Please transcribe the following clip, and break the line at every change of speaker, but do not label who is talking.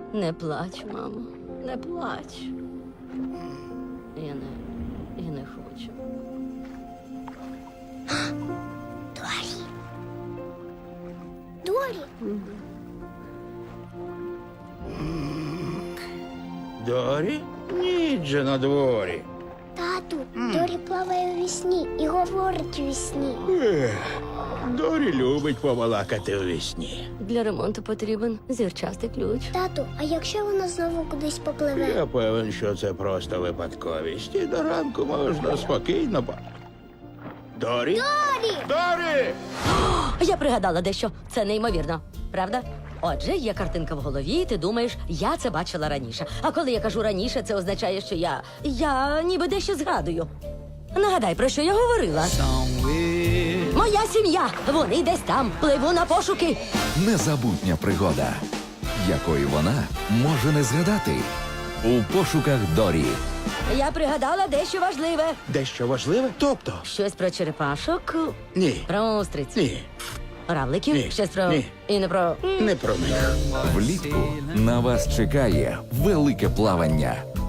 Не плач, мамо, не плач. Я не хочу.
Дорі. Дорі.
Дорі? Ніч же на дворі.
Тату, Дорі плаває у вісні і говорить у вісні.
Дорі любить побалакати у вісні.
Для ремонту потрібен зірчастий ключ.
Тату, а якщо вона знову кудись попливе?
Я певен, що це просто випадковість. І до ранку можна спокійно Дорі?
Дорі!
Дорі!
Я пригадала дещо. Це неймовірно, правда? Отже, є картинка в голові, і ти думаєш, я це бачила раніше. А коли я кажу раніше, це означає, що я ніби дещо згадую. Нагадай, про що я говорила. Моя сім'я! Вони десь там. Пливу на пошуки.
Незабутня пригода, якої вона може не згадати. У пошуках Дорі.
Я пригадала дещо важливе.
Дещо важливе? Тобто?
Щось про черепашок,
Ні.
про устриць,
Ні.
равликів,
Ні.
щось про...
Ні.
І не про...
Не про них.
Влітку на вас чекає велике плавання.